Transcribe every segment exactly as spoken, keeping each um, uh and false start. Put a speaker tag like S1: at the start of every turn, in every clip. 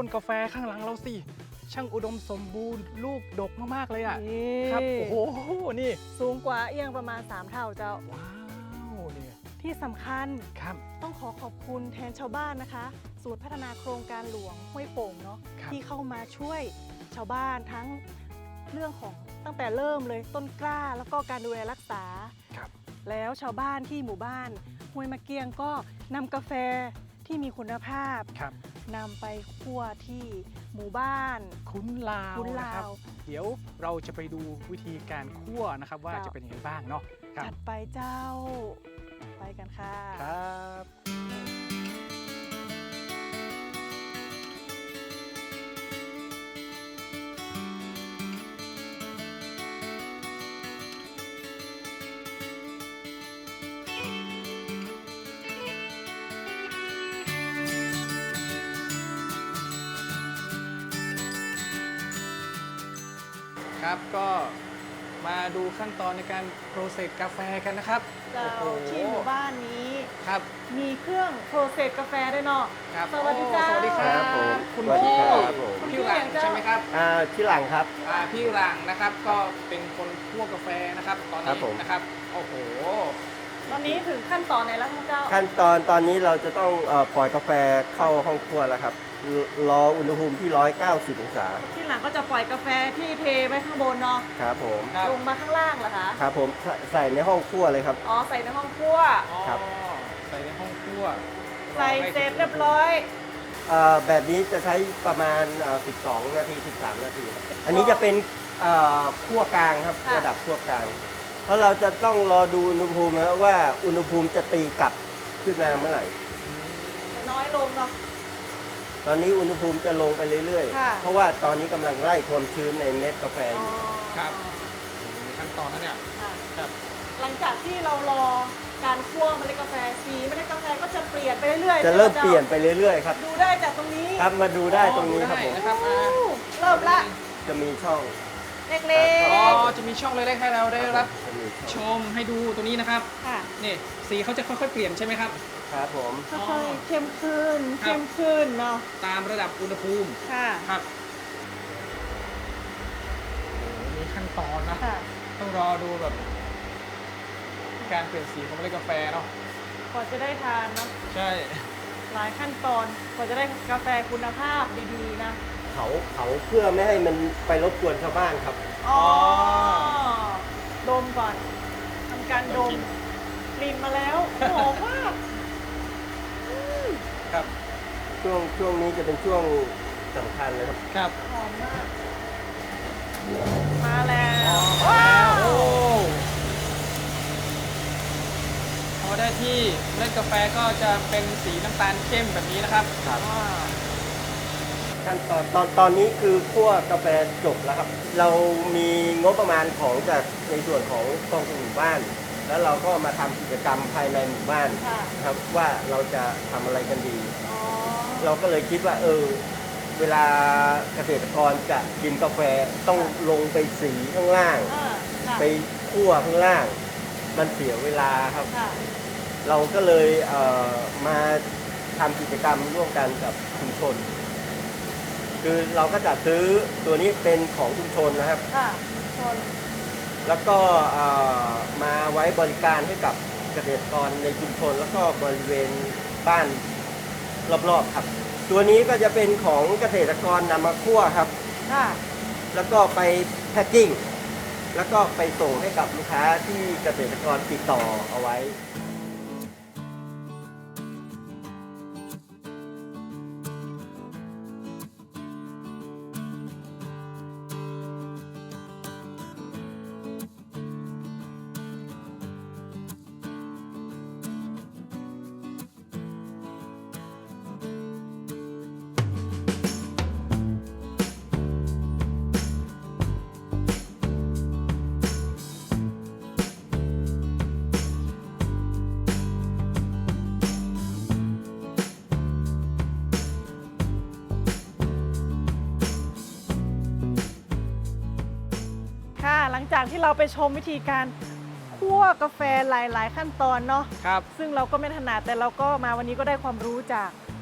S1: ต้นกาแฟข้างหลังเราสิช่างอุดมสมบูรณ์ลูกดกมากๆเลยอ่ะครับโอ้โหนี่
S2: สูงกว่าเอียงประมาณสามเท่าเจ้า
S1: ว้าวนี่
S2: ที่สำคัญ
S1: ครับ
S2: ต้องขอขอบคุณแทนชาวบ้านนะคะศูนย์พัฒนาโครงการหลวงห้วยโป่งเนาะ
S1: ครับ
S2: ที่เข้ามาช่วยชาวบ้านทั้งเรื่องของตั้งแต่เริ่มเลยต้นกล้าแล้วก็การดูแลรักษา
S1: ครับ
S2: แล้วชาวบ้านที่หมู่บ้านห้วยมะเกียงก็นำกาแฟที่มีคุณภาพ
S1: ครับ
S2: นำไปคั่วที่หมู่บ้าน
S1: คุ้นลาว
S2: คุ้นลาว
S1: นะครับเดี๋ยวเราจะไปดูวิธีการคั่วนะครับว่า
S2: เจ้า
S1: จะเป็นยังไงบ้างเนาะครับ
S2: ถัดไปเจ้า ไปกันค่ะ
S1: ครับ ครับก็มาดูขั้นตอนในการโปรเซสกาแฟกันนะครับ
S2: เจ้า
S1: โอ้โห
S2: ที่หมู่บ้านนี้
S1: ครับ
S2: มีเครื่องโปรเซสกาแฟด้วยเนาะ
S1: ครับ
S2: สวัสดีเจ้า
S1: โอ้สวัสดีครับ
S3: ครับผม
S1: คุณ
S3: สวัสดี
S1: พี่
S3: ครับผม
S1: พี่หลังใช่ไหมครับ
S3: อ่าที่หลังครับ
S1: อ่าพี่หลังนะครับก็เป็นคนคั่วกาแฟนะครับตอน
S3: ครั
S1: นี้
S3: บผม
S1: นะครับโอ้โห
S2: ตอนนี้ถึงขั้นตอนไหนแล้วคะเจ้า
S3: ขั้นตอนตอนนี้เราจะต้องเอ่อปล่อยกาแฟเข้าห้องครัวแล้วครับรรออุณหภูมิที่หนึ่งร้อยเก้าสิบองศา
S2: ที่หลังก็จะปล่อยกาแฟที่เทไว้ข้างบนเนาะ
S3: ครับผม
S1: ครับ
S2: ลงมาข้างล่างเหรอคะ
S3: ครับผมใส่ใส่ในห้องครัวเลยครับ
S2: อ๋อใส่ในห้องครัว
S1: อ๋อ
S3: ครับ
S1: ใส่ในห้องคั่ว
S2: ใส่เสร็จเรียบร้อย
S3: เอ่อแบบนี้จะใช้ประมาณเอ่อสิบสองนาทีสิบสามนาทีครับอันนี้จะเป็นเอ่อคั่วกลางครับ
S2: ค่ะ
S3: ระดับคั่วกลางเพราะเราจะต้องรอดูอุณหภูมินะว่าอุณหภูมิจะตีกลับขึ้นมาเมื่อไหร่
S2: น้อยลงเนาะ
S3: ตอนนี้อุณหภูมิจะลงไปเรื่อย
S2: ค่ะ
S3: ๆ เพราะว่าตอนนี้กำลังไล่ความชื้นในเม็ดกาแฟอ
S2: อ๋อยู่
S1: ครับมีขั้นตอนนั้นเนี่ย
S2: ค่ะ
S1: ครับ
S2: หลังจากที่เรารอการคั่วเมล็ดกาแฟสีเมล็ดกาแฟก็จะเปลี่ยนไปเรื่อยๆ
S3: จะเริ่ม
S2: ใช่ไห
S3: เปลี่ยนไปเรื่อยๆครับ
S2: ดูได้จากตรงนี้
S3: ครับมาดูได้ตรงนี้ครับผม
S1: ได้นะครับอ่า
S2: เริ่มละ
S3: จะมีช่อง
S2: เล็ก
S1: อ๋อ
S2: ๆ
S1: จะมีช่องเล็กๆให้เราได้รับ
S3: จะมี
S1: ช
S3: ช่อง
S1: มให้ดูตรงนี้นะครับ
S2: ค่ะ
S1: นี่สีเขาจะค่อยๆเปลี่ยนใช่ไหมครับ
S3: ครับผม
S2: ค่อยๆเข้มขึ้น
S1: ครับ
S2: เข้มขึ้นเนาะ
S1: ตามระดับอุณหภูมิ
S2: ค่ะ
S1: ครับโอ้โหมีขั้นตอนนะ
S2: ค่ะ
S1: ต้องรอดูแบบการเปลี่ยนสีของเมล็ดกาแฟเนาะ
S2: กว่าจะได้ทานเนาะ
S1: ใช่
S2: หลายขั้นตอนกว่าจะได้กาแฟคุณภาพดีๆนะ
S3: เขาเขาเพื่อไม่ให้มันไปรบกวนชาวบ้านครับ
S2: อ๋อ ดมก่อนทำการดมกลิ่นมาแล้วหอมมาก
S1: ครับ
S3: ช่วงช่วงนี้จะเป็นช่วงสำคัญเลยครับ
S1: ครับ
S2: หอมมาก มาแล้ว
S1: ว้าวโอ้พอได้ที่เมล็ดกาแฟก็จะเป็นสีน้ำตาลเข้มแบบนี้นะครับ
S3: ครับ
S2: ว้าว
S3: ขั้นตอนตอนตอนนี้คือคั่วกาแฟจบแล้วครับ เรามีงบประมาณของจากในส่วนของกองทุนหมู่บ้าน แล้วเราก็มาทำกิจกรรมภายในหมู่บ้าน
S2: ค่ะ
S3: ครับว่าเราจะทำอะไรกันดี
S2: อ๋อ
S3: เราก็เลยคิดว่าเออเวลาเกษตรกรจะกินกาแฟต้องลงไปสีข้างล่าง
S2: อ่าค่ะ
S3: ไปคั่วข้างล่าง มันเสียเวลาครับ
S2: ค่ะ
S3: เราก็เลยเอ่อมาทำกิจกรรมร่วมกันกับชุมชน คือเราก็จะซื้อตัวนี้เป็นของชุมชนนะครับ
S2: ค่ะชน
S3: แล้วก็เอ่อมาไว้บริการให้กับเกษตรกรในชุมชน แล้วก็บริเวณบ้านรอบๆครับ ตัวนี้ก็จะเป็นของเกษตรกรนำมาคั่วครับ
S2: ค่ะ
S3: แล้วก็ไปแพ็คกิ้ง แล้วก็ไปส่งให้กับลูกค้าที่เกษตรกรติดต่อเอาไว้
S2: ค่ะ หลังจากที่เราไปชมวิธีการคั่วกาแฟหลาย ๆ ขั้นตอนเนาะ
S1: ครับ
S2: ซึ่งเราก็ไม่ถนัดแต่เราก็มาวันนี้ก็ได้ความรู้จาก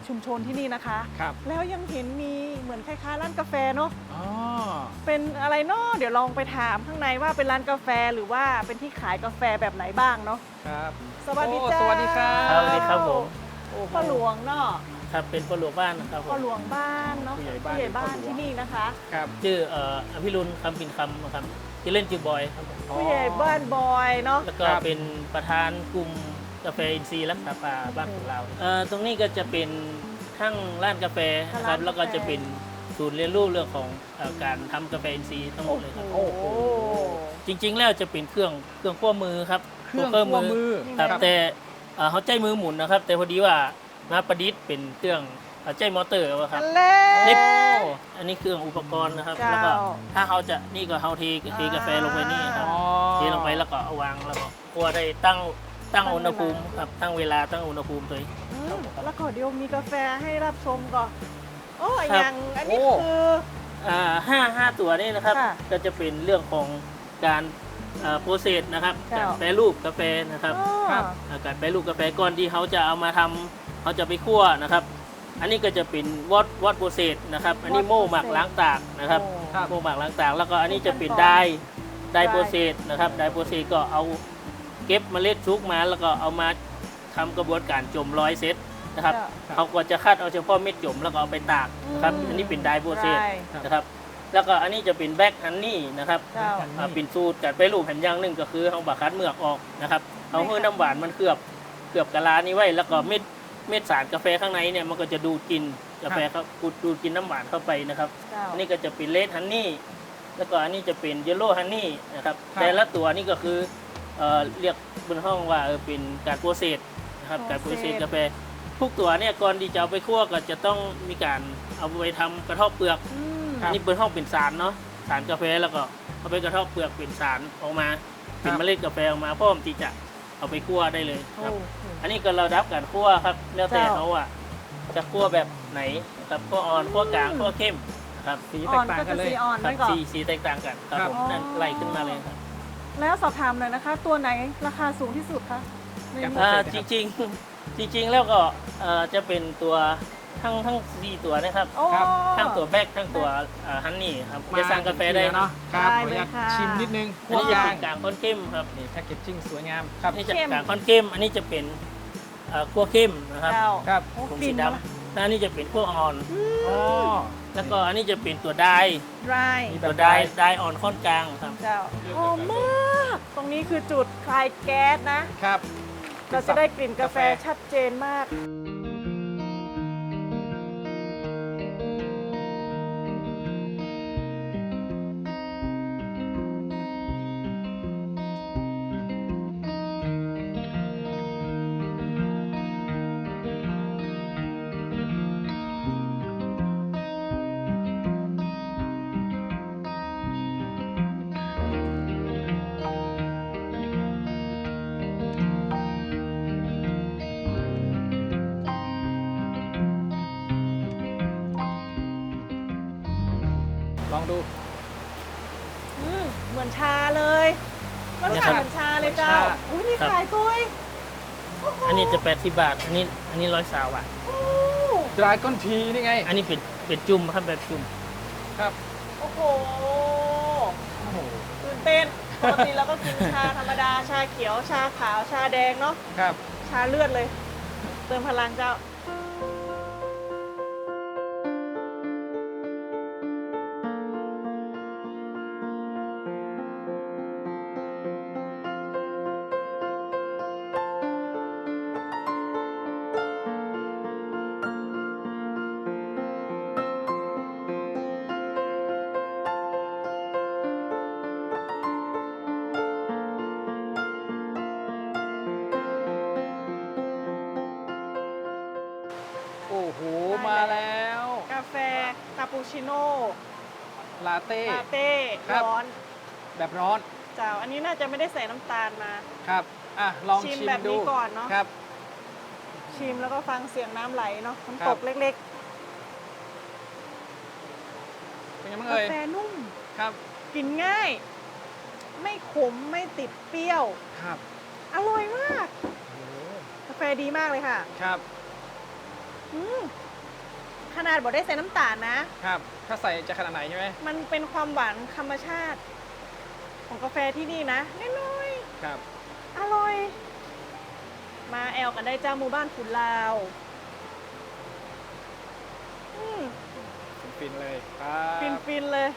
S2: ชุมชนที่นี่นะคะ
S1: ครับ
S2: แล้วยังเห็นมีเหมือนคล้ายๆร้านกาแฟเนาะ
S1: อ๋อ
S2: เป็นอะไรเนาะเดี๋ยวลองไปถามข้างในว่าเป็นร้านกาแฟหรือว่าเป็นที่ขายกาแฟแบบไหนบ้างเนาะ
S1: ครับ
S2: สวัสดี
S1: โอ้
S2: จ้า
S1: สวัสดีครับ
S4: ครับสวัสดีครับผม
S2: โอ้พ่อหลวงเนาะ
S4: ครับเป็นพ่อหลวงบ้านนะครับผ
S2: พ่อ
S4: ม
S2: หลวงบ้านเนาะ
S1: ผู้ใหญ่บ้าน
S2: ผู้ใหญ่บ้าน
S1: พ่อหลวง
S2: ที่นี่นะคะ
S1: ครับ
S4: ชื่อเอ่ออภิรุณคำปินคำนะครับที่อเล่นชื่อบอยครับผม
S2: ผู้ใหญ่บ้านบอยเนาะ
S4: แล้วก็
S1: ครับ
S4: เป็นประธานกลุ่มกาแฟอินทรีย์รักษาป่าบ้านของเราเอ่อตรงนี้ก็จะเป็นทั้งร้านกาแฟนะครับแล้วก็จะเป็นศูนย์เรียนรู้เรื่องของเอ่อการทำกาแฟอินทรีย์ทั้งหมดเลยครับ
S2: โอ้โห
S4: จริง ๆ แล้วจะเป็นเครื่องเครื่องคั่วมือครับ
S1: เครื่อง
S4: คั่ว
S1: คั่วมือ
S4: ครับแต่เอ่อเขาใจมือหมุนนะครับ แต่พอดีว่ามาประดิษฐ์เป็นเครื่องเอ่อใจมอเตอร์ครับ
S2: อันเล่
S4: นี่อันนี้เครื่องอุปกรณ์นะครับ
S2: เจ้า
S4: แล้วก็ถ้าเขาจะนี่ก็เขาเทเทกาแฟลงไปนี่ครับ
S1: อ๋อ
S4: เทลงไปแล้วก็เอาวางแล้วก็คั่วได้ตั้งตั้งอุณหภูมิครับตั้งเวลาตั้งอุณหภูมิตัวเอง
S2: อืมแล้วก็เดี๋ยวมีกาแฟให้รับชมก่อนโอ้
S4: ครับ
S2: อย่างอันนี้
S1: โอ้
S2: คือ
S4: อ่าห้าห้าตัวนี่นะครับ
S2: ค่ะ
S4: ก็จะเป็นเรื่องของการโปรเซสนะครับ
S2: เจ้า
S4: การแปรรูปกาแฟนะครับ
S2: อ๋อ
S1: ครับ
S4: อ่าการแปรรูปกาแฟก่อนที่เขาจะเอามาทำเขาจะไปคั่วนะครับ อันนี้ก็จะเป็นวอตวอตโปรเซสนะครับ อันนี้
S2: Watt
S4: โม่หมัก
S2: process
S4: ล้างตากนะครับ
S2: โอ้
S1: ครับ
S4: โม่หมักล้างตากแล้วก็อันนี้จะเป็น
S2: ขั้นตอน
S4: ไดได
S2: ได้
S4: โปรเซสนะครับไดโปรเซสก็เอาเก็บเมล็ดชุกมาแล้วก็เอามาทำกระบวนการจมร้อยเซตนะครับ
S2: เจ้า
S4: เขาก็จะคัดเอาเฉพาะเม็ดจมแล้วก็เอาไปตากนะครับ
S2: อืม
S4: อันนี้เป็นไดโปรเซส
S2: ได้
S4: นะครับ แล้วก็อันนี้จะเป็นแบ็กฮันนี่นะครับ
S2: เจ้า
S4: อ่าเป็นสูตรการไปรูปแผ่นอย่างหนึ่งก็คือเอาบาคัดเมือกออกนะครับเอาเพื่อน้ำหวานมันเคลือบเคลือบกะลานี้ไว้แล้วก็เม็ดเม็ดสารกาแฟข้างในเนี่ยมันก็จะดูดกินกาแฟครับดูดกินน้ำหวานเข้าไปนะครับ
S2: เจ้า
S4: อันนี้ก็จะเป็นเลดฮันนี่ แล้วก็อันนี้จะเป็นเยลโล่ฮันนี่นะครับ
S1: ครับ
S4: แต่ละตัวนี่ก็คือเอ่อเรียกบนห้องว่าเออเป็นการโปรเซสนะครับ
S2: โปรเซส
S4: การโปรเซสกาแฟ ทุกตัวเนี่ยก่อนที่จะเอาไปคั่วก็จะต้องมีการเอาไปทำกระเทาะเปลือก
S2: อืม
S1: ครับ
S4: อันนี้เป็นห้องเป็นสารเนาะ สารกาแฟแล้วก็เอาไปกระเทาะเปลือกเป็นสารออกมา เป็นเมล็ดกาแฟออกมาพร้อมที่จะเอาไปคั่วได้เลยครับ
S2: โอ้โห
S4: อันนี้ก็เราดับการคั่วครับ แล้วแต่
S2: เจ้า
S4: เขาอ่ะจะคั่วแบบไหนนะครับคั่วอ่อนคั่วกลางคั่วเข้มนะครับ
S1: สีแต
S2: อ่อก น
S1: ต่าง
S2: ก็
S1: กั
S2: จะ
S1: นเลย
S2: สีอ่อน
S4: ครั
S2: นั่นก่อน
S4: สีสีแตกต่างกันครับ
S1: ครับ
S4: ผมนั่นไล่ขึ้นมาเลยครับ
S2: แล้วสอบถามหน่อยนะคะ ตัวไหนราคาสูงที่สุดคะใน
S1: ครับ
S2: หมู่
S4: อ่า
S1: โปรเซ
S4: จ
S1: ส
S4: ริงๆ จริง ๆ แล้วก็เอ่อจะเป็นตัวทั้งทั้งสี่ตัวนะครับ
S2: โอ้
S1: ครับ
S4: ทั้งตัวแบ็กทั้งตัวฮันนี่ครับจะสั่งกาแฟได้
S1: เนาะ
S4: เนาะ
S1: ครับ
S2: ได้
S1: ขออนุญาต
S2: เลยค่ะ
S1: ชิมนิดนึง
S4: อันนี้จะ
S1: ยา
S4: เป็
S1: ง
S4: นกลางค่อนเข้มครับ
S1: นี่แพ็กเกจจิ้งสวยงามครับ
S4: นี่จะ
S2: เข้ม
S4: กลางค่อนเข้ม อันนี้จะเป็นเอ่อคั่วเข้มนะครับ
S2: เจ้า
S1: ครับ
S2: โอ้
S4: ผม
S2: กลิ่
S4: สี
S2: น
S4: ด
S2: มาละ
S4: ำแล้วอันนี้จะเป็นคั่วอ่อน
S1: อ๋อ
S4: แล้วก็อันนี้จะเป็นตัวได
S2: dry
S1: มี แบบ
S4: ตัวไดไดอ่อนค่อนกลางครับ
S2: เจ้าหอมมาก ตรงนี้คือจุดคลายแก๊สนะ
S1: ครับ
S2: เราจะได้กลิ่นกาแฟชัดเจนมาก
S1: ลองดู
S2: อืมเหมือนชาเลยรสชาติเหมือนชาเลยเจ้า
S1: เหมือนชา
S2: อุ้ยนี่ขายกล้วย
S4: อันนี้จะแปดสิบบาท อันนี้อันนี้ร้อยสาวบาท
S2: โอ้
S1: ดรายก้อนทีนี่ไง
S4: อันนี้เป็นเป็นจุ่มครับแบบจุ่ม
S1: ครับ
S2: โอ้โห
S1: โอ้โห
S2: ตื่นเต้นปกติเราก็กินชาธรรมดา ชาเขียว ชาขาว ชาแดงเนาะ
S1: ครับ
S2: ชาเลือดเลย เติมพลังเจ้า
S1: โอ้โห
S2: ได้
S1: มา
S2: แล้ว
S1: แล้ว
S2: กาแฟคาปูชิโน่
S1: ลาเต้
S2: ลาเต้
S1: ครับ
S2: ร้อน
S1: แบบร้อน
S2: เจ้า อันนี้น่าจะไม่ได้ใส่น้ำตาลมา
S1: ครับ อ่ะ ลอง
S2: ชิ
S1: ชิ
S2: ม
S1: ม
S2: แบบนี้
S1: ดู
S2: ก่อนเนอะ
S1: ครับ
S2: ชิมแล้วก็ฟังเสียงน้ำไหลเนาะน้ำ
S1: ครั
S2: ต
S1: บ
S2: กเล็ก
S1: เป็นไงบ้าง
S2: ๆ กา
S1: เอ่ย
S2: แฟนุ่ม
S1: ครับ
S2: กินง่าย ไม่ขมไม่ติดเปรี้ยว
S1: ครับ
S2: อร่อยมาก
S1: โอ้โห
S2: กาแฟดีมากเลยค่ะ
S1: ครับ
S2: อืมขนาดบอกได้ใส่น้ำตาลนะ
S1: ครับ ถ้าใส่จะขนาดไหนใช่ไหม
S2: มันเป็นความหวานธรรมชาติ ของกาแฟที่นี่นะน้อย
S1: ครับ
S2: ๆอร่อย มาแอลกันได้เจ้าหมู่บ้านขุนลาวอืม
S1: ฟินๆเลยครับ
S2: ฟินๆเลย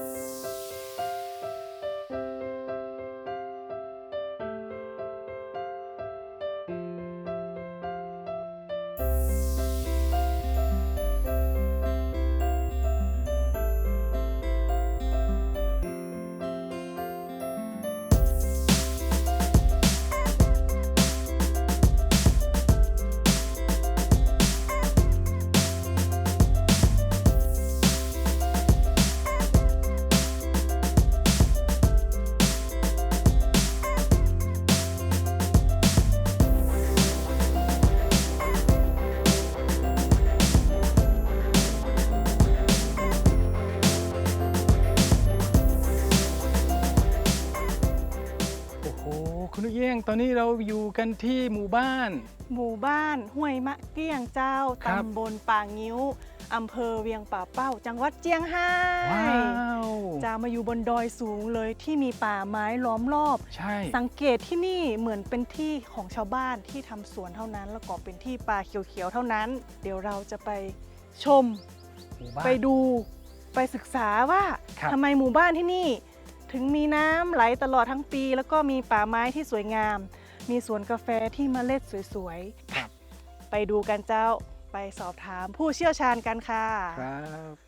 S1: โอ้โหคุณนุเยี่ยงตอนนี้เราอยู่กันที่หมู่บ้าน
S2: หมู่บ้านห้วยมะเกี้ยงเจ้า
S1: ครับ
S2: ตำบลป่างิ้ว อำเภอเวียงป่าเป้า จังหวัดเจียงไฮ้
S1: ว้าว
S2: จะมาอยู่บนดอยสูงเลยที่มีป่าไม้ล้อมรอบ
S1: ใช่
S2: สังเกตที่นี่เหมือนเป็นที่ของชาวบ้านที่ทำสวนเท่านั้น แล้วก็เป็นที่ป่าเขียวๆเท่านั้น เดี๋ยวเราจะไปชม
S1: หมู่บ้าน
S2: ไปดูไปศึกษาว่า
S1: ครับ
S2: ทำไมหมู่บ้านที่นี่ ถึงมีน้ำไหลตลอดทั้งปี แล้วก็มีป่าไม้ที่สวยงาม มีสวนกาแฟที่เมล็ดสวย
S1: ครับ
S2: ๆ ไปดูกันเจ้าไปสอบถามผู้เชี่ยวชาญกันค่ะ
S1: ครับ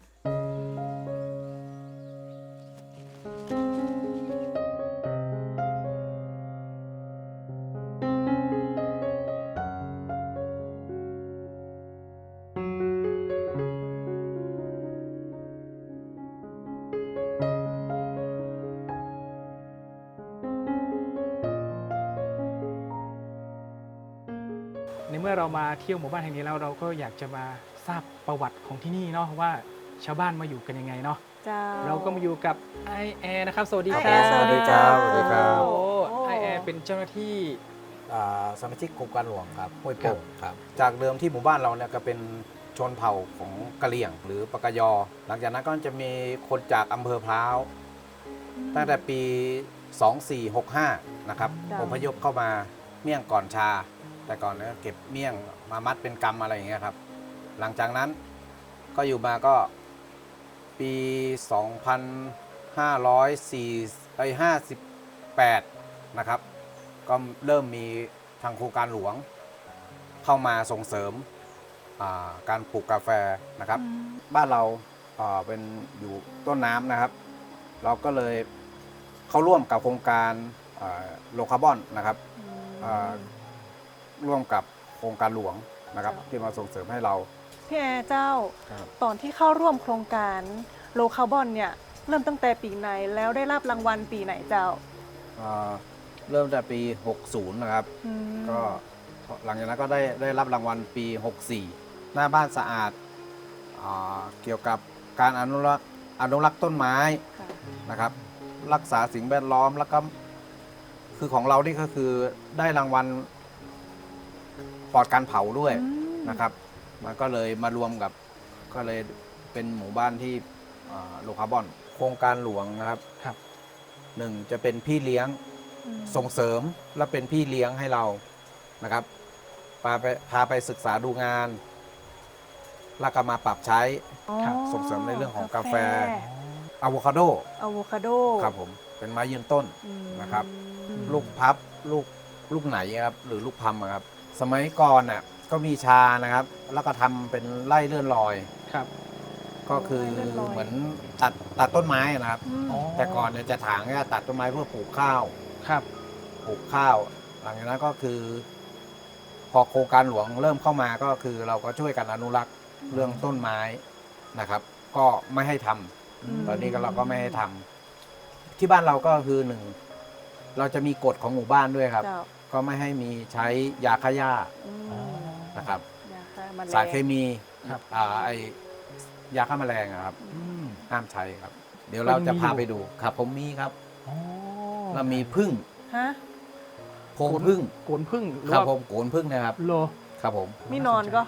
S1: ในเมื่อเรามาเที่ยวหมู่บ้านแห่งนี้แล้วเราก็อยากจะมาทราบประวัติของที่นี่เนาะว่าชาวบ้านมาอยู่กันยังไงเนาะ
S2: เจ้า
S1: เราก็มาอยู่กับไอแอร์นะครับ สวัสดี
S2: ไอ
S1: ค
S2: แอ
S1: รั
S2: ร์
S1: บ
S2: สวัสดีเจ้า
S5: สวัสดีครับ
S1: โอ้
S2: โอ้
S1: ไอแอร์เป็นเจ้าหน้าที่
S5: อ่าสมาชิกกรมการหลวงครับห้วยโป่งครับจากเดิมที่หมู่บ้านเราเนี่ยก็เป็นชนเผ่าของกะเหรี่ยง หรือปากกยอ หลังจากนั้นก็จะมีคนจากอำเภอพร้าวตั้งแต่ปี สองสี่หกห้า นะครับ
S2: จ้ะ
S5: อพยพเข้ามาเมี่ยงก่อนชา แต่ก่อนเนี่ยเก็บเมี่ยงมามัดเป็นกำอะไรอย่างเงี้ยครับหลังจากนั้นก็อยู่มาก็ปี สองพันห้าร้อยสี่สิบแปด นะครับ ก็เริ่มมีทางโครงการหลวงเข้ามาส่งเสริมอ่าการปลูกกาแฟนะครับ บ้านเราอ่าเป็นอยู่ต้นน้ำนะครับ เราก็เลยเข้าร่วมกับโครงการโลคาร์บอนนะครับอ่าร่วมกับโครงการหลวงนะครับ
S2: ครับ
S5: ที่มาส่งเสริมให้เรา
S2: พี่แอร์เจ้า
S5: ครับ
S2: ตอนที่เข้าร่วมโครงการโลคาร์บอนเนี่ยเริ่มตั้งแต่ปีไหนแล้วได้รับรางวัลปีไหนเจ้า
S5: อ่าเริ่มแต่ปี หกสิบ นะครับ
S2: อืม
S5: ก็หลังจากนั้นก็ได้ได้รับรางวัลปี หกสี่ หน้าบ้านสะอาดอ่าเกี่ยวกับการอนุรักษ์อนุรักษ์ต้นไม้
S2: ค่ะ
S5: นะครับ รักษาสิ่งแวดล้อมแล้วก็คือของเรานี่ก็คือได้รางวัลปลอดการเผาด้วย
S2: อืม
S5: นะครับ มันก็เลยมารวมกับก็เลยเป็นหมู่บ้านที่โลคาร์บอน โครงการหลวงนะครับ
S1: ครับ
S5: หนึ่งจะเป็นพี่เลี้ยง
S2: อืม
S5: ส่งเสริมและเป็นพี่เลี้ยงให้เรานะครับพาไปพาไปศึกษาดูงาน แล้วก็มาปรับใช้
S2: อ๋อ
S5: ส่งเสริมในเรื่องของกาแฟ อะโวคาโด
S2: อะโวคาโด
S5: ครับผมเป็นไม้ยืนต้น
S2: อืม
S5: นะครับ ลูกพับลูกลูกไหนครับหรือลูกพัมอะครับ สมัยก่อนน่ะก็มีชานะครับ แล้วก็ทำเป็นไร่เลื่อนลอย
S1: ครับ
S5: ก็คือ
S2: ไร่เลื่อนลอย
S5: เหมือนตัดตัดต้นไม้นะครับ
S2: อืม
S1: อ๋อ
S5: แต่ก่อนเนี่ยจะถางเนี่ยตัดต้นไม้เพื่อปลูกข้าว
S1: ครับ
S5: ปลูกข้าว หลังจากนั้นก็คือ พอโครงการหลวงเริ่มเข้ามาก็คือเราก็ช่วยกันอนุรักษ์เรื่องต้นไม้นะครับ ก็ไม่ให้ทำ
S2: ม
S5: ตอนนี้ก็เราก็ไม่ให้ทำที่บ้านเราก็คือหนึ่งเราจะมีกฎของหมู่บ้านด้วยครับ
S2: เจ้า
S5: ก็ไม่ให้มีใช้ยาฆ่าหญ้า
S2: อืม
S1: อ๋อ
S5: นะครับ
S2: ยาฆ่าแมลง
S5: สารเคมี
S1: ครับ
S5: อ่าไอยาฆ่าแมลงอะครับ
S1: อืม
S5: ห้ามใช้ครับ เดี๋ยวเราจะพาไปดูครับ ผมมีครับ
S1: อ๋อ
S5: เรามีพึ่ง
S2: ฮะ
S5: โพรงพึ่ง
S1: โกนพึ่งหรือ
S5: ครับ
S1: ว่า
S5: ผมโกนพึ่งนะครับ
S1: โล
S5: ครับผม
S2: มีนอนก็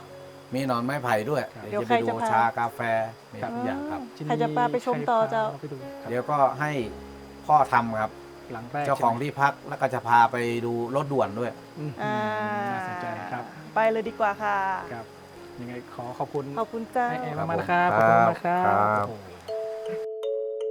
S5: มีหนอนไม้ไผ่ด้วย
S1: ครับ
S5: เดี๋ยวจะไปดูชากาแฟมีทุกอย่างครับ
S2: ใครจะพาไปชมต่อเจ้า
S1: ใครพไปดูครับ
S5: เดี๋ยวก็ให้พ่อทำครับ
S1: หลังแรก
S5: เจ้าของ
S1: ใช่ไหม
S5: ที่พักแล้วก็จะพาไปดูรถด่วนด้วย
S1: อืม
S2: อ่า
S1: น่าสนใจครับ
S2: ไปเลยดีกว่าค่ะ
S1: ครับยังไงขอขอบคุณ
S2: ขอบคุณเจ้า
S1: ไอแอร์
S5: ครับ
S1: มากๆนะครับ
S5: ผม
S1: ขอบคุณมากครับ
S5: ครับ
S1: โอ้โห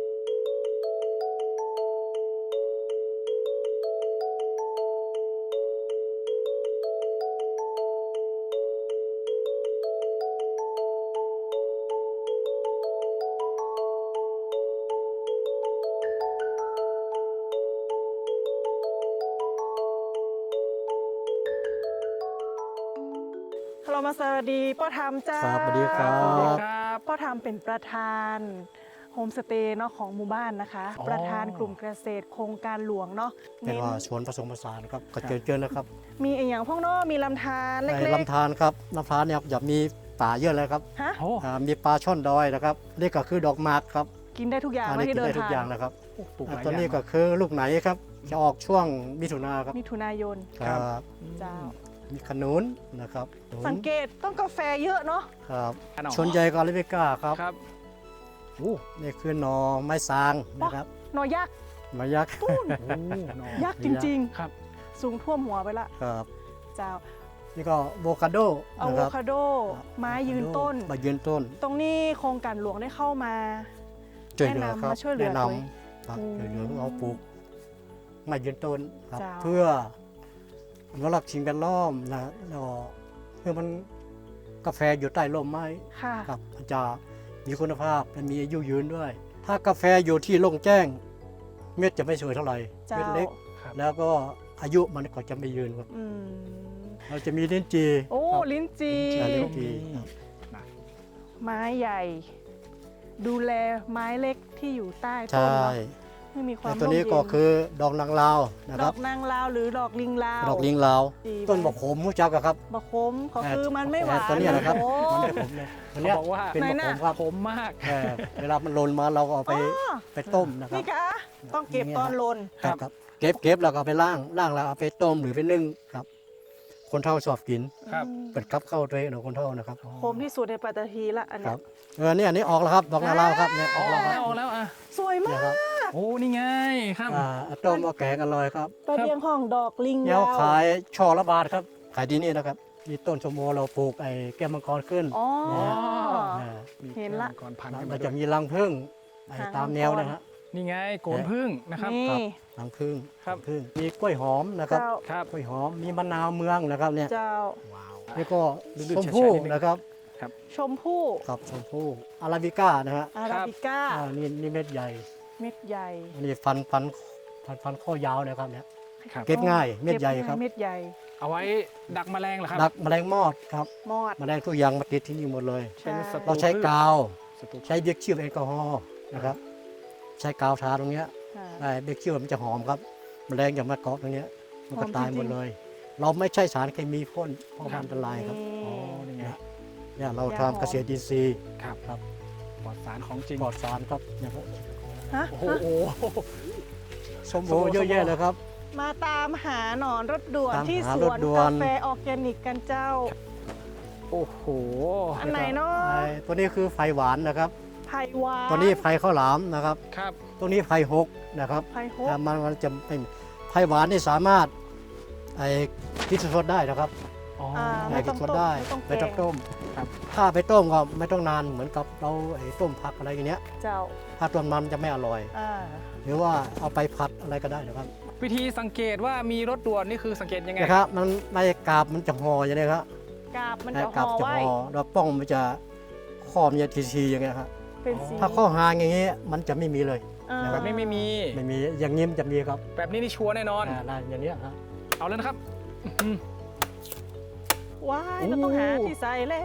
S2: เรามาสวัสดีพ่อธรรมเจ้า
S6: ครับสวัสดีครั
S1: สวัสดี
S6: บ
S1: ครับ
S2: พ่อธรรมเป็นประธานโฮมสเตย์เนาะของหมู่บ้านนะคะ
S1: อ๋อ
S2: ประธานกลุ่มเกษตรโครงการหลวงเนาะ
S6: เป็นว่าสวนผสมผสานครับก็เจอเจอนะครับ
S2: มีอีกอย่างพวกเนาะมีลำธารเล็
S6: ใน
S2: ก
S6: ลำธารครับลำธารเนี่ยจะมีป่าเยอะเลยครับ
S2: ๆฮะ
S1: โอ้
S6: อ่ามีปลาช่อนดอยนะครับนี่ก็คือดอกหมากครับ
S2: กินได้ทุกอย่าง
S6: อัน
S2: ไม่
S6: นี้
S2: ที่
S6: กิน
S2: เดิน
S6: ได้ทุก
S2: ทาง
S6: อย่างนะครับ
S1: ปลูกห
S6: อ่า
S1: ลาย
S6: ตัวนี้
S1: อย่าง
S6: ก็คือลูกไหนครับจะออกช่วงมิถุนาครับ
S2: มิถุนายน
S6: ครับ
S2: เจ้า
S6: มีขนุนนะครับขนุน
S2: สังเกตต้องกาแฟเยอะเนาะ
S6: ครับ
S1: ขนม
S6: ชนใหญ่กอลิเบก้าครับ
S1: ครับ
S6: โอ้นี่คือหนอไม้ซางนะครับ
S2: หนอยักษ์
S6: ไมายักษ์
S1: โอ้หนอ
S2: ยักษ์จริง
S1: ครับ
S2: ๆ สูงท่วมหัวไปละ
S6: ครับ
S2: เจ้า
S6: นี่ก็โวคาโด
S2: อะ
S6: นะ
S2: โว
S6: ครับ
S2: คาโด ไม้ยืนต้น
S6: ไม้ยืนต้น
S2: ตรงนี้โครงการหลวงได้เข้ามา
S6: ช่วยเหลือ
S2: แนะนำ
S6: ครับ
S2: มาช่วยเหลือ
S6: แนะน
S2: ด้วย
S6: ำครับ
S2: อืม
S6: ช่วยเหลือเอาปลูกไม้ยืนต้นครับ
S2: เจ้า
S6: เพื่ออนุรักษ์สิ่งแวดล้อมนะแล้วก็เพื่อมันกาแฟอยู่ใต้ร่มไม้
S2: ค่ะ
S6: ครับมันจะมีคุณภาพและมีอายุยืนด้วย ถ้ากาแฟอยู่ที่โล่งแจ้ง เม็ดจะไม่สวยเท่าไหร่
S2: เจ้า
S6: เม็ดเล็ก
S1: ครับ
S6: แล้วก็อายุมันก็จะไม่ยืนครับ
S2: อืม
S6: เราจะมีลิ้นจี
S2: โอ้
S6: ครับ
S2: ลิ้นจี
S6: ใช่ลิ้นจี
S2: ไม้ใหญ่ ดูแลไม้เล็กที่อยู่ใต้ต้น
S6: ใช่
S2: เนาะให้มีควา
S6: แต่
S2: ม
S6: ตัวนี้
S2: ร่มเย็
S6: ก็คือดอกนางลาวนะ
S2: ด
S6: ครั
S2: อบ กนางลาวหรือดอกลิงลาว
S6: ดอกลิงลาว
S2: ดี
S6: ต้น
S2: ไหม
S6: บกโขมรู้จักอะครับ
S2: บะคมเขาคือมันไม่หวาน
S6: ตัวเนี้ยนะครับ
S2: โอ้
S6: มันไม่ขมเลยตัวเนี้ย
S1: เขาบอกว่า
S6: เป็น
S2: ไหน
S6: บก
S2: น่ะ
S6: โขมครับ
S1: ผมมาก
S6: เออเวลามันหล่นมาเราก็เอาไป
S2: อ๋อ
S6: ไปต้มนะครับ
S2: นี่กะต้องเก็บตอนหลน
S6: ครับครับเก็บเก็บแล้วก็เอาไปล่างล่างแล้วเอาไปต้มหรือไปนึ่งครับ คนเท่าชอบกิน
S1: ครับ
S2: อืม
S6: เปิดครับเข้าตัวเองของคนเท่านะครับ
S2: คมที่สุดในปัตตภีละอัน
S6: ค
S2: เนี้
S6: รั
S2: ย
S6: บเออเนี่ยอันนี้ออกแล้วครับดอกนางลาวครับเนี่ยอ
S1: อ
S6: อ
S1: อก ก
S6: แล้วค
S1: แล้
S6: รับ
S1: วออกแล้วอ่ะ
S2: สวยมา
S6: เนี่ย
S2: ก
S6: ครับ
S1: โอ้นี่ไงครับ
S6: อ่าเอาต้มเอาแกงอร่อยครับ
S2: ตะเบียงห้องดอกลิง
S6: เดี๋ยว
S2: ลาว
S6: ขายช่อละบาทครับขายดีนี่นะครับมีต้นชมโมเราปลูกไอ้แก้วมังกรขึ้น
S2: อ๋อ
S1: อ๋อ
S6: อ่า
S1: มี
S2: เห็นละ
S1: ก่อนพัน
S6: แล้ว
S1: ขึ้น
S6: มั
S1: มาน ด้
S6: จะ
S1: วย
S6: มีรังผึ้งไอ้
S2: หาง
S6: ตามแนวนะฮะ
S1: นี่ไงโกนพึ่งนะครับ
S2: นี่
S6: ครับ รังผึ้ง
S1: ครับ
S6: ผึ้งมีกล้วยหอมนะครับ
S2: เจ้า
S1: ครับ
S6: กล้วยหอมมีมะนาวเมืองนะครับเนี่ย
S2: เจ้า
S1: ว้าว
S6: นี่ก็
S1: ลื่นๆ
S6: ชมพู่
S1: แฉะๆนิดนึง
S6: นะครับ
S2: ชมพู่
S6: ครับชมพู่อาราบิก้านะฮะ
S2: อาราบิก้า
S6: อ่านี่นี่เม็ดใหญ่
S2: เม็ดใหญ่
S6: อันนี้ฟันฟันฟันฟันข้อยาวนะครับเนี่ย
S1: ครับ
S6: เก็บง่ายเม็ดใหญ่
S2: ก็
S6: ครับ
S2: เม็ดใหญ่
S1: เอาไว้ดักแมลงเหรอครับ
S6: ดักแมลงมอดครับ
S2: มอด
S6: แมลงทุกอย่างมาติดที่นี่หมดเลย
S1: เป็นศัต
S6: เราใช้กาว
S1: ศัตรู
S6: ใช้เบคชิลแอลกอฮอล์นะครับ ใช้กาวทาตรงเนี้ย
S2: ค่ะ
S6: ไอ้เบคชิลมันจะหอมครับแมลงอย่ามาเกาะตรงเนี้ยมันก็
S2: หอม
S6: ตาย
S2: จริงๆ
S6: หมดเลย เราไม่ใช่สารเคมีพ่นเพราะมันอันตรายครับ
S1: อ๋อนี่ไง
S6: เนี่ยเรา
S2: ยาหอม
S6: ทำเกษตรอินทรีย์
S1: ครับ
S6: ครับ
S1: ปลอดสารของจริง
S6: ปลอดสารครับเนี่ยครับ
S2: ฮะ
S1: โอ้โห
S6: สมโอเยอะแยะเลยครับ
S2: มาตามหาหนอนรถด่วน
S6: ตามหา
S2: ที่ส
S6: ร
S2: ว
S6: ถ
S2: น
S6: ด่วน
S2: กาแฟออร์แกนิกกันเจ้า
S1: โอ้โห
S2: อันไหนเนาะ
S6: ไอ้ตัวนี้คือไฟหวานนะครับ
S2: ไผ่หวาน
S6: ตัวนี้ไฟข้าวหลามนะครับ
S1: ครับ
S6: ตัวนี้ไฟหกนะครับ
S2: ไผ่โฮ
S6: อ่ามันมันจะเป็นไฟหวานนี่สามารถไอ้กินสดๆได้นะครับ
S1: อ๋อ
S2: อ่า
S6: ไอ้
S2: ไม่ต้
S6: กิ
S2: อน ง
S6: สด
S2: ต้ม
S6: ได้
S2: ไม่ต้องแก
S6: ไม่ต้อง
S2: ง
S6: ต้ม
S1: ครับ
S6: ถ้าไปต้มก็ไม่ต้องนานเหมือนกับเราไอ้ต้มผักอะไรอย่างเงี้ย
S2: เจ้า
S6: ถ้าต้มมันจะไม่อร่อย
S2: อ่า
S6: หรือว่าเอาไปผัดอะไรก็ได้นะครับ
S1: วิธีสังเกตว่ามีรถด่วนนี่คือสังเกตยังไง
S6: นะครับมันในกาบมันจะห่ออย่างนี้ครับ
S2: กาบมัน
S6: ใน
S2: จะ
S6: กา
S2: ห่
S6: บ
S2: อ
S6: จะ
S2: ไว้
S6: ห่อแล้วป้องมันจะข้อมันจะทีๆอย่างเงี้ยครับ
S2: เป็นสี
S6: ถ้าข้อหางอย่างเงี้ยมันจะไม่มีเลย
S2: อ่า
S1: แบบนี้ไม่มี
S6: ไม่มีอย่างนี้มันจะมีครับ
S1: แบบนี้นี่ชัวร์แน่นอน
S6: อ่าได้อย่างเนี้ยครับ
S1: เอาแล้วนะครับอื้อ
S2: ว้าย
S1: โอ้
S2: เราต้องหาที่ใส่แล้ว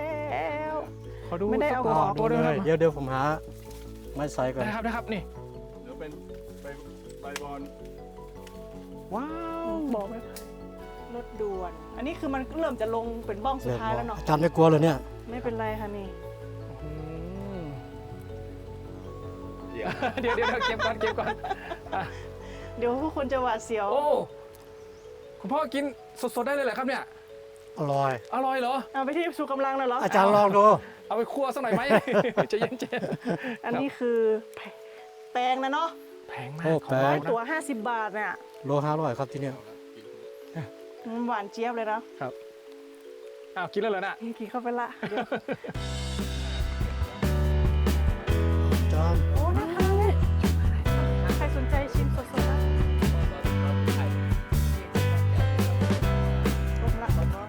S1: ขอดู
S2: ไม่ได้เอา
S1: สัก
S2: ข
S1: ส
S2: อง
S1: องตัวด้วยนะครับ
S6: เดี๋ยวเดี๋ยวผมหาไม้ใส่ก่อน
S1: ได้ครับได้ครับนี่
S7: เดี๋ยวเป็นใบใบบอล
S1: ว้าว
S2: บอกไหมรถด่วน อันนี้คือมันเริ่มจะลงเป็นบ้องสุดท้ายแล้วเนาะ
S6: อาจารย์ไม่กลัวเลยเนี่ย
S2: ไม่เป็นไรค่ะนี่
S1: อืมเดี๋ยวเดี๋ยวเดี๋ยวเก็บก่อนเก็บก่อนอ่ะ
S2: เดี๋ยวผู้คนจะหวาดเสียว
S1: โอ้คุณพ่อกินสดๆได้เลยเหรอครับเนี่ย
S6: อร่อย
S1: อร่อยเหรอ
S2: เอาไปที่ชูกำลังเลยเหรอ
S6: อาจารย์ลองดู
S1: เอาไปคั่วสักหน่อยไหม ใจะเย็นเจ
S2: อันนี้คือแปลงนะเนาะ
S1: แพงมาก
S6: โอ้
S1: ของ
S6: แพ
S1: เรา
S6: ง
S1: นะ
S2: ตัวห้าสิบบาทเนี่ย
S6: โลห้าร้อยครับที่เนี่ย
S2: มันหวานเจี๊ยบเลยนะ
S1: ครับอ้าวกินแล้วเหรอน่ะ
S2: กินเข้าไปละเดี๋ยว
S6: อาจารย์
S2: โอ้น่าทานเลยใครสนใจชิมสดๆนะลงละลงละ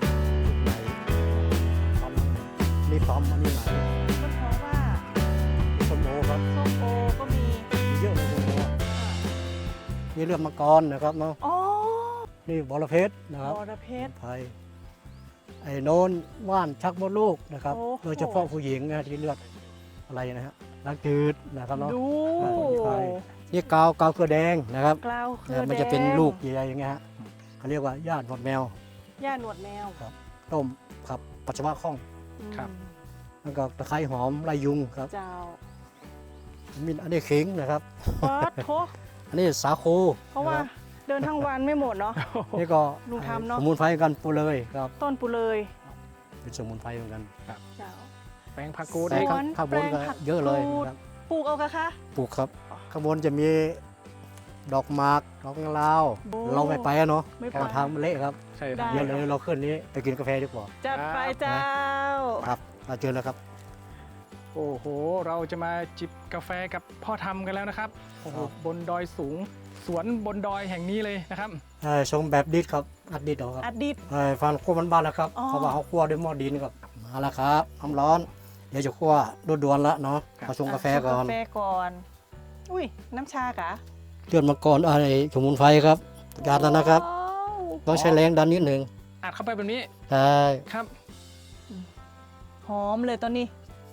S6: นี่ตอมอันนี้ไหน
S2: ก็เพราะว่า
S6: ส้มโอครับ
S2: ส้มโอก็มี
S6: มีเยอะเลยส้มโอนี่เลือดมังกรนะครับเนาะ
S2: อ๋อ
S6: นี่บอระเพชรนะครับ
S2: บอระเพ็ด
S6: ไทยไอ้โน้นว่านชักมดลูกนะครับ
S2: โอ้โห
S6: โดยเฉพาะผู้หญิงนะที่เลือดอะไรนะฮะล้างจืดนะครับเนาะ
S2: ดู
S6: อ่าไทยนี่กาวกาวเกลือแดงนะครับ
S2: กล้าวเครือ
S6: นะ
S2: แดง
S6: มันจะเป็นลูกใหญ่ๆอย่างเงี้ยฮะเขาเรียกว่าย่านหนวดแมว
S2: ย่าหนวดแมว
S6: ต้มครับปัสสาวะคล่อง
S2: อืม
S6: แล้วก็ตะไคร้หอมไรยุงครับ
S2: เจ้า
S6: มีอันนี้ขิงนะครับ
S2: ป๊อดโถ
S6: อันนี้สาคู
S2: เพราะว่า
S6: นะคบ
S2: เดินทั้งวันไม่หมดเนาะ
S6: นี่ก็
S2: ลุงทำเนอะ
S6: สมุนไพรกันปูเลยครับ
S2: ต้นปุเลย
S6: เป็นสมุนไพรเหมือนกัน
S2: เจ้า
S1: แป้งผักกูด
S6: แต่
S2: ส
S6: ข้าง
S2: วน
S6: ข้างบนก็
S2: แปลงผัก
S6: เยอะเลย
S2: กูด
S6: นะครับ
S2: ปลูกเอากะคะ
S6: ปลูกครับ ข้างบนจะมีดอกหมากดอกลาว
S2: โอ้
S6: เราไม่ไปอะเนาะ
S2: ไม่ไป
S6: เพราะทางมันเละครับ
S1: ใช่
S2: ได้
S6: เดี๋ยวเลยเราขึ้นนี้ไปกินกาแฟดีกว่า
S2: จัดไปเจ้า
S6: ครับมาเจอแล้วครับ
S1: โอ้โห เราจะมาจิบกาแฟกับพ่อทำกันแล้วนะครับโอ้โห
S6: ครับ
S1: บนดอยสูง สวนบนดอยแห่งนี้เลยนะครับ
S6: เอ่อชงแบบดิดครับอัดดิดเอาครับ
S2: อดีต
S6: เอ่อฟันคั่วมันบ้านแล้วครับ
S2: อ๋อ
S6: เขาบอกเขาคั่วด้วยหม้อดินครับมาแล้วครับน้ำร้อนเดี๋ยวจะคั่วด่วนๆแล้วเนาะ
S1: ครับ
S6: มาชงกาแฟก่อน
S2: กาแฟก่อน อุ้ย น้ำชากะ
S6: เลือดมังกรอะไรสมุนไพรครับยาแล้วนะครับ
S2: ว้าว
S6: ต้องใช้แรงดันนิดหนึ่ง
S1: อัดเข้าไปแบบนี้
S6: ใช่
S1: ครับ
S2: หอมเลยตอนนี้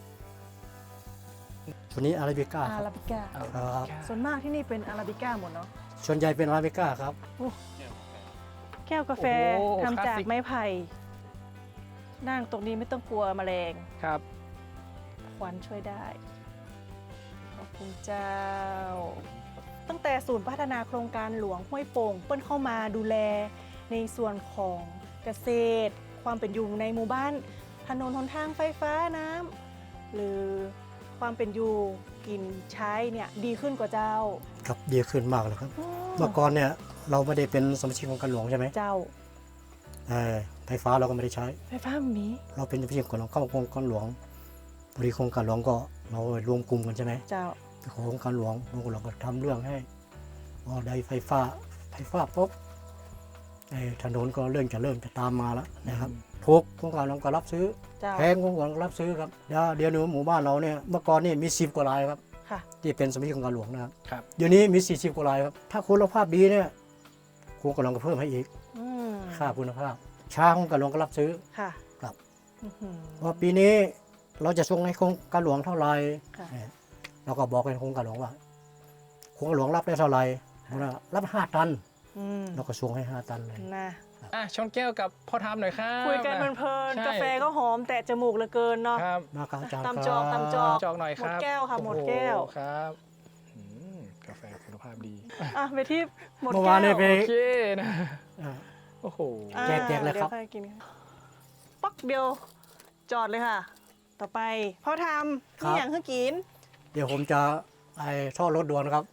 S6: ตัวนี้อาราบิก้า
S2: อา
S6: ครับ
S2: ราบิก้า
S6: ครับ
S2: ส่วนมากที่นี่เป็นอาราบิก้าหมดเนาะ
S6: ส่วนใหญ่เป็นอาราบิก้าครับ
S2: แก้วกาแฟ
S1: โอ้โห
S2: ทำจาก
S1: คลาสสิก
S2: ไม้ไผ่นั่งตรงนี้ไม่ต้องกลัวแมลง
S1: ครับ
S2: ควันช่วยได้ ขอบคุณเจ้า ตั้งแต่ศูนย์พัฒนาโครงการหลวงห้วยโป่งเปิ้ลเข้ามาดูแลในส่วนของเกษตร ความเป็นอยู่ในหมู่บ้าน ถนนหนทางไฟฟ้าน้ำหรือความเป็นอยู่กินใช้เนี่ยดีขึ้นกว่าเจ้า
S6: ครับดีขึ้นมากเลยครับ
S2: อ๋อ
S6: เมื่อก่อนเนี่ยเราไม่ได้เป็นสมาชิกของการหลวงใช่ไหม
S2: เจ้า
S6: เออไฟฟ้าเราก็ไม่ได้ใช้
S2: ไฟฟ้ามี
S6: เราเป็นสมาชิกของเข้าโครงการหลวงบริโครงการหลวงก็เรารวมกลุ่มกันใช่ไหม
S2: เจ้า
S6: ไปขอโครงการหลวงโครงการหลวงก็ทำเรื่องให้พอได้ไฟฟ้าไฟฟ้าปุ๊บไอ้ถนนก็เริ่มจะเริ่มจะตามมาแล้วนะครับทุกโครงการหลวงก็รับซื้อ
S2: เจ้า
S6: แพงโครงการก็รับซื้อครับเดี๋ยวเดี๋ยวนี้หมู่บ้านเราเนี่ยเมื่อก่อนนี่มีสิบกว่ารายครับ
S2: ค่ะ
S6: ที่เป็นสมาชิกของการหลวงนะครับ
S1: ครับ
S6: เดี๋ยวนี้มีสี่สิบกว่ารายครับถ้าคุณภาพดีเนี่ยโครงการหลวงก็เพิ่มให้อีก
S2: อืม
S6: ค่าคุณภาพช้าโครงการหลวงก็รับซื้อ
S2: ค่ะ
S6: ครับ
S2: อื้อหือ
S6: ว่าปีนี้เราจะส่งให้โครงการหลวงเท่าไหร่
S2: ค่ะ
S6: เนี่ยเราก็บอกให้โครงการหลวงว่าโครงการหลวงรับได้เท่าไหร่รับห้าตัน
S2: อืม
S6: เราก็ส่งให้ห้าตันเลย
S2: นะ
S1: อ่ะชนแก้วกับพ่อทำหน่อยครับ
S2: คุยกันเพลิน
S1: ใช่
S2: ๆกาแฟก็หอมแต่จมูกเหลือเกินเนาะ
S1: ครับ
S6: มาครับอาจารย์
S2: ตามจอกตามจอก
S1: จอกหน่อยครับ
S2: หมดแก้วค่ะ
S1: โอ้โ
S2: หมดแก้ว
S1: ครับอืมกาแฟคุณภาพดี
S2: อ่ะไปที่หมด
S6: เมื่อ
S2: แก้
S6: วานเนี่ยไป
S1: โอเคนะ
S6: อ่า
S1: โอ้โห
S2: อ่า
S6: แจกแจกเลยครับ
S2: ดี๋วใกินกันปักเดียวจอดเลยค่ะ ต่อไปพ่อทำนี่อย่างคือกิน
S6: เดี๋ยวผมจะไอ้ท่อรถด่วนครับ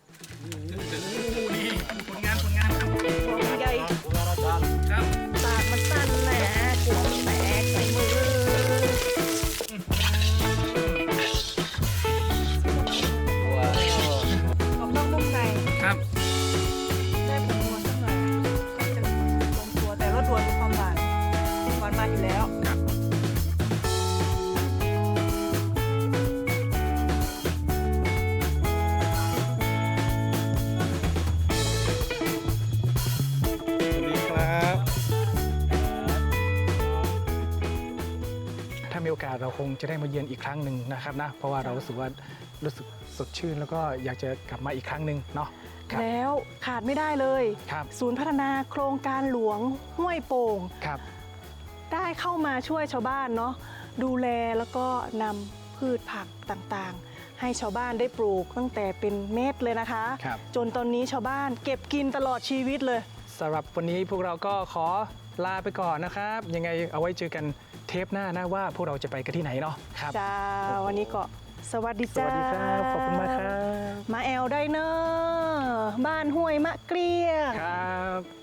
S1: ผลงานผลงานครับ
S2: ตัวใหญ่
S6: อาจารย์
S1: ครับ
S2: ปากมันสั้นแหละหัวมันแตกใส่มือ กรอบนอกนุ่มใน
S1: ครับ
S2: ได้ผงนวลสักหน่อยก็จะลงตัวแต่รสด่วนมีความหวานหวานมาอยู่แล้ว
S1: ครับ สวัสดีครับ ถ้ามีโอกาสเราคงจะได้มาเยือนอีกครั้งหนึ่งนะครับนะ เพราะว่าเรารู้สึกว่ารู้สึกสดชื่นแล้วก็อยากจะกลับมาอีกครั้งหนึ่งเนาะครับ
S2: แล้วขาดไม่ได้เลย
S1: ครับ
S2: ศูนย์พัฒนาโครงการหลวงห้วยโป่ง
S1: ครับ
S2: ได้เข้ามาช่วยชาวบ้านเนาะดูแลแล้วก็นำพืชผักต่างๆ ให้ชาวบ้านได้ปลูกตั้งแต่เป็นเม็ดเลยนะคะ
S1: ครับ
S2: จนตอนนี้ชาวบ้านเก็บกินตลอดชีวิตเลย
S1: สำหรับวันนี้พวกเราก็ขอลาไปก่อนนะครับ ยังไงเอาไว้เจอกันเทปหน้านะว่าพวกเราจะไปกันที่ไหนเนาะครับ
S2: จ้าวันนี้ก็สวัสดี
S1: ส
S2: จ้า
S1: วัสดีครับ ขอบคุณมากครับ
S2: มาแอลได้เนอะบ้านห้วยมะเกลี้ย
S1: ครับ